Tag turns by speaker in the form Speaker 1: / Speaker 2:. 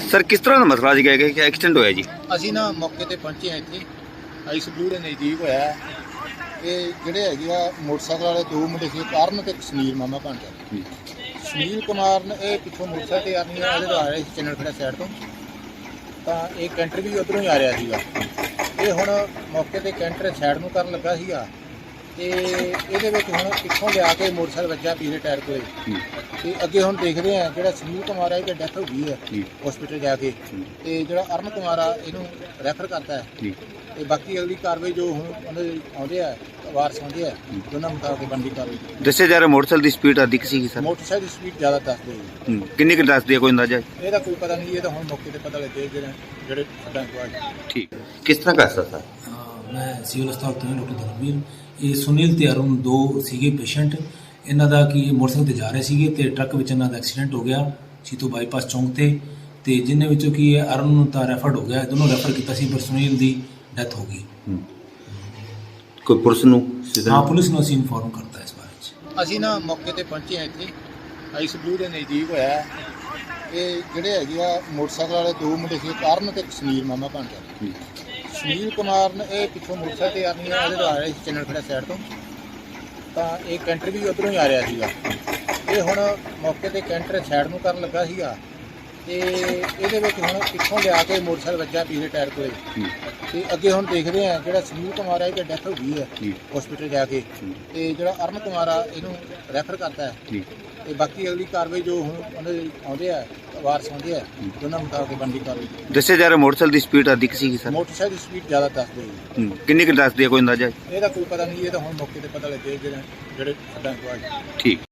Speaker 1: Sir ਕਿਸ ਤਰ੍ਹਾਂ ਦਾ ਮਸਲਾ ਸੀਗਾ ਕਿ ਐਕਸੀਡੈਂਟ ਹੋਇਆ ਜੀ?
Speaker 2: ਅਸੀਂ ਨਾ ਮੌਕੇ ਤੇ ਪਹੁੰਚੇ ਹਾਂ ਇੱਥੇ ਆਈਸ ਬਲੂ ਦੇ ਨਜ਼ਦੀਕ ਹੋਇਆ ਹੈ। ਇਹ ਜਿਹੜੇ ਹੈਗੇ ਆ ਮੋਟਰਸਾਈਕਲ ਵਾਲੇ ਦੋ ਮੁੰਡੇ ਸੀ, ਕਾਰਨ ਤੇ ਕਸ਼ਮੀਰ ਮਾਮਾ ਭਾਂਜਾ। ਸੁਨੀਲ ਕੁਮਾਰ ਨੇ ਇਹ ਪਿੱਛੋਂ ਮੋਟਰਸਾਈਕਲ ਤੇ ਆਰਮੀ ਵਾਲੇ ਤੋਂ ਆ ਰਹੇ ਸੀ ਚੰਨਣ ਖੇੜਾ ਸਾਈਡ ਤੋਂ, ਤਾਂ ਇਹ ਕੈਂਟਰ ਵੀ ਉੱਧਰੋਂ ਹੀ ਆ ਰਿਹਾ ਸੀਗਾ। ਇਹ ਹੁਣ ਮੌਕੇ ਤੇ ਕੈਂਟਰ ਸਾਈਡ ਨੂੰ ਕਰਨ ਲੱਗਾ ਸੀਗਾ ਤੇ ਇਹਦੇ ਵਿੱਚ ਹੁਣ ਪਿੱਛੋਂ ਲਿਆ ਕੇ ਮੋਟਰਸਾਈਕਲ ਵੱਜਾ ਪਿਛਲੇ ਟਾਇਰ ਕੋਲੇ ਤੇ ਅੱਗੇ ਹੁਣ ਦੇਖਦੇ ਆ ਜਿਹੜਾ ਸੁਨੀਲ ਕੁਮਾਰ ਹੈ ਇਹਦੀ ਡੈਥ ਹੋ ਗਈ ਹੈ ਹਸਪੀਟਲ ਜਾ ਕੇ, ਤੇ ਜਿਹੜਾ ਅਰਨ ਕੁਮਾਰ ਆ ਇਹਨੂੰ ਰੈਫਰ ਕਰਤਾ ਹੈ ਤੇ ਬਾਕੀ ਅਗਲੀ ਕਾਰਵਾਈ ਜੋ ਹੁਣ ਉਹਦੇ ਆਉਂਦੇ ਆ ਵਾਰਸ ਆਉਂਦੇ ਆ ਦੋਨਾਂ ਮੁਤਾਬਕ ਬਣਦੀ ਕਾਰਵਾਈ।
Speaker 1: ਦੱਸਿਆ ਜਾ ਰਿਹਾ ਮੋਟਰਸਾਈਕਲ ਦੀ ਸਪੀਡ ਅਧਿਕ ਸੀਗੀ ਸਰ?
Speaker 2: ਮੋਟਰਸਾਈਕਲ ਦੀ ਸਪੀਡ ਜ਼ਿਆਦਾ ਦੱਸਦੇ ਜੀ।
Speaker 1: ਕਿੰਨੀ ਕੁ ਦੱਸਦੀ ਹੈ, ਕੋਈ ਅੰਦਾਜ਼ਾ?
Speaker 2: ਇਹਦਾ ਕੋਈ ਪਤਾ ਨਹੀਂ, ਇਹ ਤਾਂ ਹੁਣ ਮੌਕੇ ਤੇ ਪਤਾ ਲੱਗੇ ਜਿਹੜੇ ਸੱਟਾਂ ਕੋਲ।
Speaker 1: ਠੀਕ, ਕਿਸ ਤਰ੍ਹਾਂ ਕਰ ਸਕਦਾ?
Speaker 3: ਮੈਂ ਸਿਵਲ ਹਸਪਤਾਲ ਤੋਂ ਡਾਕਟਰ ਧਰਮਵੀਰ। ਇਹ ਸੁਨੀਲ ਤੇ ਅਰੁਣ ਦੋ ਸੀਗੇ ਪੇਸ਼ੈਂਟ। ਇਹਨਾਂ ਦਾ ਕਿ ਮੋਟਰਸਾਈਕਲ ਤੇ ਜਾ ਰਹੇ ਸੀਗੇ ਤੇ ਟਰੱਕ ਵਿੱਚ ਇਹਨਾਂ ਦਾ ਐਕਸੀਡੈਂਟ ਹੋ ਗਿਆ ਸੀਤੋ ਬਾਈਪਾਸ ਚੌਂਕ ਤੇ ਜਿਨ੍ਹਾਂ ਵਿੱਚੋਂ ਕਿ ਅਰੁਣ ਨੂੰ ਤਾਂ ਰੈਫਰਡ ਹੋ ਗਿਆ, ਦੋਨੋਂ ਰੈਫਰ ਕੀਤਾ ਸੀ, ਪਰ ਸੁਨੀਲ ਦੀ ਡੈਥ ਹੋ ਗਈ।
Speaker 1: ਕੋਈ ਪੁਲਿਸ ਨੂੰ?
Speaker 3: ਹਾਂ, ਪੁਲਿਸ ਨੂੰ ਅਸੀਂ ਇਨਫੋਰਮ ਕਰਤਾ ਇਸ ਬਾਰੇ 'ਚ।
Speaker 2: ਅਸੀਂ ਨਾ ਮੌਕੇ ਤੇ ਪਹੁੰਚੇ ਹਾਂ ਇੱਥੇ ਆਈਸ ਬਲੂ ਦੇ ਨਜ਼ਦੀਕ ਹੋਇਆ ਹੈ। ਇਹ ਜਿਹੜੇ ਹੈਗੇ ਆ ਮੋਟਰਸਾਈਕਲ ਵਾਲੇ ਦੋ ਮੁੰਡੇ ਸੀ, ਕਾਰਨ ਤੇ ਕਸ਼ਮੀਰ ਮਾਮਾ ਭਾਂਜਾ। ਸੁਨੀਲ ਕੁਮਾਰ ਨੇ ਇਹ ਪਿੱਛੋਂ ਮੋਟਰਸਾਈਕਲ ਤੇ ਆਰਮੀ ਵਾਲੇ ਤੋਂ ਆ ਰਹੇ ਸੀ ਚੰਨਣ ਖੇੜਾ ਸਾਈਡ ਤੋਂ, ਤਾਂ ਇਹ ਕੈਂਟਰ ਵੀ ਉੱਧਰੋਂ ਹੀ ਆ ਰਿਹਾ ਸੀਗਾ। ਇਹ ਹੁਣ ਮੌਕੇ ਤੇ ਕੈਂਟਰ ਸਾਈਡ ਨੂੰ ਕਰਨ ਲੱਗਾ ਸੀਗਾ ਤੇ ਇਹਦੇ ਵਿੱਚ ਹੁਣ ਪਿੱਛੋਂ ਲਿਆ ਕੇ ਮੋਟਰਸਾਈਕਲ ਵੱਜਾ ਪਿਛਲੇ ਟਾਇਰ ਕੋਲੇ ਤੇ ਅੱਗੇ ਹੁਣ ਦੇਖਦੇ ਆ ਜਿਹੜਾ ਸੁਨੀਲ ਕੁਮਾਰ ਹੈ ਇਹਦੀ ਡੈਥ ਹੋ ਗਈ ਹੈ ਹਸਪੀਟਲ ਜਾ ਕੇ, ਤੇ ਜਿਹੜਾ ਅਰਨ ਕੁਮਾਰ ਆ ਇਹਨੂੰ ਰੈਫਰ ਕਰਤਾ ਹੈ ਤੇ ਬਾਕੀ ਅਗਲੀ ਕਾਰਵਾਈ ਜੋ ਹੁਣ ਉਹਦੇ ਆਉਂਦੇ ਆ ਵਾਰਸ ਆਉਂਦੇ ਆ ਦੋਨਾਂ ਮੁਤਾਬਕ ਬਣਦੀ ਕਾਰਵਾਈ।
Speaker 1: ਦੱਸਿਆ ਜਾ ਰਿਹਾ ਮੋਟਰਸਾਈਕਲ ਦੀ ਸਪੀਡ ਅਧਿਕ ਸੀਗੀ ਸਰ?
Speaker 2: ਮੋਟਰਸਾਈਕਲ ਦੀ ਸਪੀਡ ਜ਼ਿਆਦਾ ਦੱਸਦੇ ਜੀ।
Speaker 1: ਕਿੰਨੀ ਕੁ ਦੱਸਦੀ ਹੈ, ਕੋਈ ਅੰਦਾਜ਼ਾ?
Speaker 2: ਇਹਦਾ ਕੋਈ ਪਤਾ ਨਹੀਂ, ਇਹ ਤਾਂ ਹੁਣ ਮੌਕੇ ਤੇ ਪਤਾ ਲੱਗੇ ਜਿਹੜੇ ਸੱਟਾਂ ਕੋਲ।
Speaker 1: ਠੀਕ।